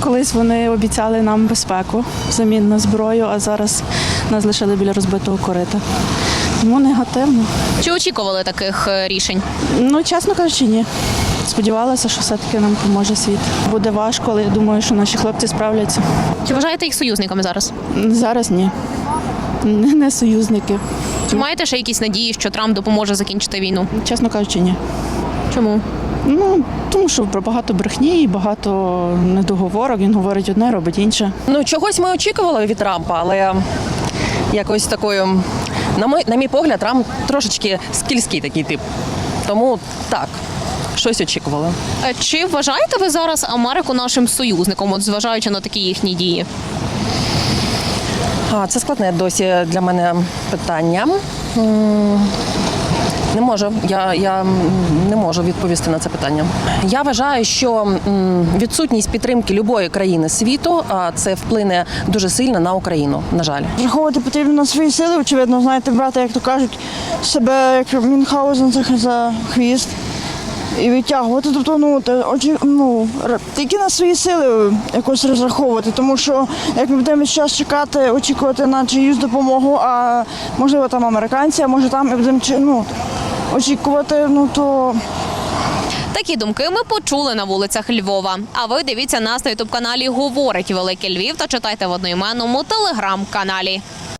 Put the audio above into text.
колись вони обіцяли нам безпеку взамін на зброю, а зараз нас лишили біля розбитого корита. Тому негативно. Чи очікували таких рішень? Ну, чесно кажучи, ні. Сподівалася, що все-таки нам поможе світ. Буде важко, але я думаю, що наші хлопці справляться. Чи вважаєте їх союзниками зараз? Зараз ні. Не союзники. Чи маєте ще якісь надії, що Трамп допоможе закінчити війну? Чесно кажучи, ні. Чому? Ну, тому що про багато брехні і багато недоговорок. Він говорить одне, робить інше. Ну, чогось ми очікували від Трампа, але якось такою, на мій погляд, Трамп трошечки скільський такий тип. Тому так, щось очікували. Чи вважаєте ви зараз Америку нашим союзником, от зважаючи на такі їхні дії? Це складне досі для мене питання. Не можу, я не можу відповісти на це питання. Я вважаю, що відсутність підтримки будь-якої країни світу це вплине дуже сильно на Україну, на жаль. Раховувати потрібно на свої сили, очевидно, знаєте, брати, як то кажуть, себе як Мюнхгаузен за хвіст і відтягувати. Тобто, тільки на свої сили якось розраховувати, тому що як ми будемо час чекати, очікувати на чиюсь допомогу, а можливо там американці, а може там і будемо очікувати, то... Такі думки ми почули на вулицях Львова. А ви дивіться нас на ютуб-каналі «Говорить Великий Львів» та читайте в одноіменному телеграм-каналі.